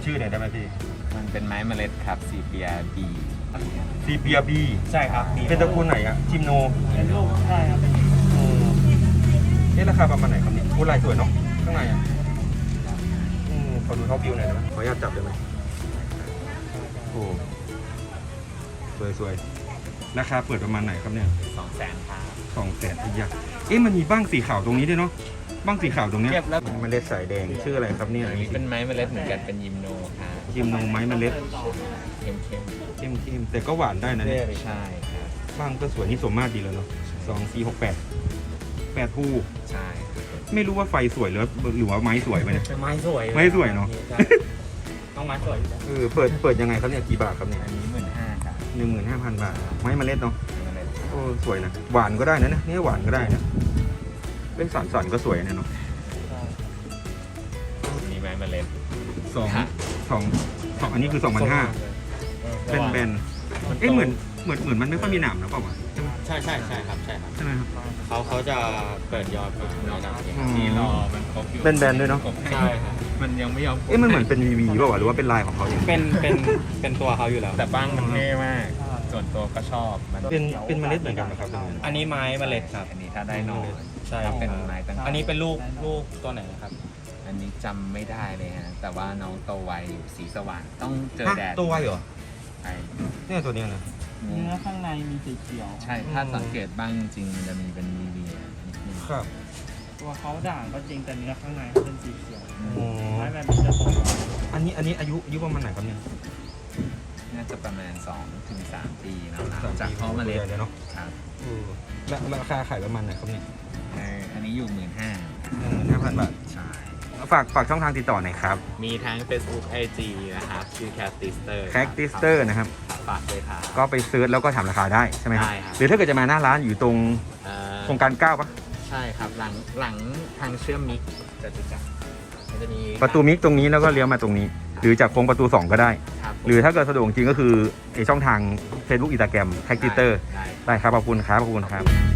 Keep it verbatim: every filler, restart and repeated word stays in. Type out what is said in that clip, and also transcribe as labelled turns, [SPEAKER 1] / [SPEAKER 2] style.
[SPEAKER 1] ชื่อหน่อยได้ไหมพี่
[SPEAKER 2] มันเป็นไม้เมล็ดครับซีเปียบี
[SPEAKER 1] ซีเปียบี
[SPEAKER 3] ใช่ครับ
[SPEAKER 1] เป็นตระกูลไหนอะจิมโน
[SPEAKER 3] เป็นลูกใช่ครับ
[SPEAKER 1] นี่ราคาประมาณไหนครับเนี่ยโอ้ลายสวยเนาะข้างในอ่ะอืมขอดูท็อปวิวหน่อยได้ไหมขออนุญาตจับได้ไหมโอ้สวยสวยราคาเปิดประมาณไหนครับเนี่ย
[SPEAKER 2] สองแสนครับ
[SPEAKER 1] สองแสนอีกอย่างเอ๊ะมันมีบ้างสีขาวตรงนี้ด้วยเนาะบ้างสีขาวตรงเนี้ย
[SPEAKER 2] เก็บแล้ว
[SPEAKER 1] เมล็ดสายแดงชื่ออะไรครับเนี่ย
[SPEAKER 2] อันนี้เป็นไม้เมล็ดเหมือนกันเป็นยิมโนครับ
[SPEAKER 1] ยิมโนไม้เมล็ด
[SPEAKER 2] เข้มเข้ม
[SPEAKER 1] เข้มเข้มแต่ก็หวานได้นะเนี่ย
[SPEAKER 2] ใช่ครับ
[SPEAKER 1] บ้างก็สวยนี่สมมาตรดีแล้วเนาะสองสี่หกแปดแปดคู่
[SPEAKER 2] ใช่
[SPEAKER 1] ไม่รู้ว่าไฟสวยหรือหรือว่าไม้สวยไปเนี่ย
[SPEAKER 3] ไม้สวย
[SPEAKER 1] ไม้สวยเนาะ
[SPEAKER 3] ต้องไม้สวย
[SPEAKER 1] เออเปิดเปิดยังไงครับเนี่ยกี่บาทครับเนี่ย
[SPEAKER 2] อันนี้หมื่นห้าครับ
[SPEAKER 1] หนึ่งหมื่นห้าพันบาทไม้เมล็ดเนาะโอ้สวยนะหวานก็ได้นะเนี่ยหวานก็ได้นะเล่นสันสันก็สวยนะเนาะ
[SPEAKER 2] นี่ไม้เมล็ด
[SPEAKER 1] สองสองสองอันนี้คือสองพันห้าเป็นแบนเอ๊ะเหมือนเหมือนเหมือนมันไม่ค่อยมีหนามนะเปล่าวะ
[SPEAKER 3] ใช่ใช่ใช่ครับใช่ครับ
[SPEAKER 1] ใช่ไหมครับ
[SPEAKER 3] เขาเขาจะเปิดยอดมาในหนัง
[SPEAKER 2] นี่รอมันครบอยู่
[SPEAKER 1] เป็นแบนด้วยเนาะ
[SPEAKER 3] ใช่ครับ
[SPEAKER 2] มันยังไม่ยอม
[SPEAKER 1] เอ๊ะมันเหมือนเป็นวีวีเปล่าวะหรือว่าเป็นลายของเขาเอง
[SPEAKER 3] เป็นเป็นเป็นตัวเขาอยู่แล้ว
[SPEAKER 2] แต่บ้างมันเท่มากส่วนตัวก็ชอบมัน
[SPEAKER 1] เป็นเป็นเมล็ดเหมือนกันนะครับ
[SPEAKER 3] อันนี้ไม้เมล็ดครับ
[SPEAKER 2] อันนี้ถ้าได้หน่อ
[SPEAKER 3] ใช่
[SPEAKER 2] เป็นไม้ตั้ง
[SPEAKER 3] อันนี้เป็นลูกลูกตัวไหนครับ
[SPEAKER 2] อันนี้จำไม่ได้เลยฮะแต่ว่าน้องโตไวอยู่สีสว่างต้องเจอแดด
[SPEAKER 1] ตัวไวเหรอ
[SPEAKER 2] ใช่
[SPEAKER 1] เนี่ยตัวเนี้ยนะ
[SPEAKER 3] เนื้อข้างในมีสีเขียว
[SPEAKER 2] ใช่ถ้าสังเกตบ้างจริงมันจะมีเป็นวีวี
[SPEAKER 1] ครับ
[SPEAKER 3] ตัวเขาด่างก็จริงแต่เนื้อข้างในเขาเป็นสีเขียวไม้แบบนี้จะสวย
[SPEAKER 1] อันนี้อันนี้อายุอายุประมาณไหนครับเนี่ย
[SPEAKER 2] น่าจะประมาณสองถึงสามปีนะจากเพาะเมล็ด
[SPEAKER 1] เลยเนาะ
[SPEAKER 2] ครับ
[SPEAKER 1] แล้วราคาขายประมาณไหนครับเนี่ย
[SPEAKER 2] อันนี้อยู่หมื่นห้า
[SPEAKER 1] หนึ่งหมื่นห้าพันบาท
[SPEAKER 2] ใช่
[SPEAKER 1] ฝากฝากช่องทางติดต่อหน่อยครับ
[SPEAKER 2] มีทั้ง Facebook ไอ จี นะครับชื่อ Cactister
[SPEAKER 1] Cactister นะครับ
[SPEAKER 2] ฝากด้วยครับ
[SPEAKER 1] ก็ไปเซิร์ชแล้วก็ถามราคาได้ใช่ไหมครับ
[SPEAKER 2] ใช่ครับ
[SPEAKER 1] หรือถ้าเกิดจะมาหน้าร้านอยู่ตรงโครงการเก้าปะ
[SPEAKER 2] ใช่ครับหลังหลังทางเชื่อมมิกจะจุจักมันจะมี
[SPEAKER 1] ประตูมิกตรงนี้แล้วก็เลี้ยวมาตรงนี้หรือจากโค้งประตูสองก็ได้หรือถ้าเกิดสะดวกจริงก็คือไอช่องทาง Facebook Instagram Cactister ได้ครับขอบคุณครับขอบคุณครับ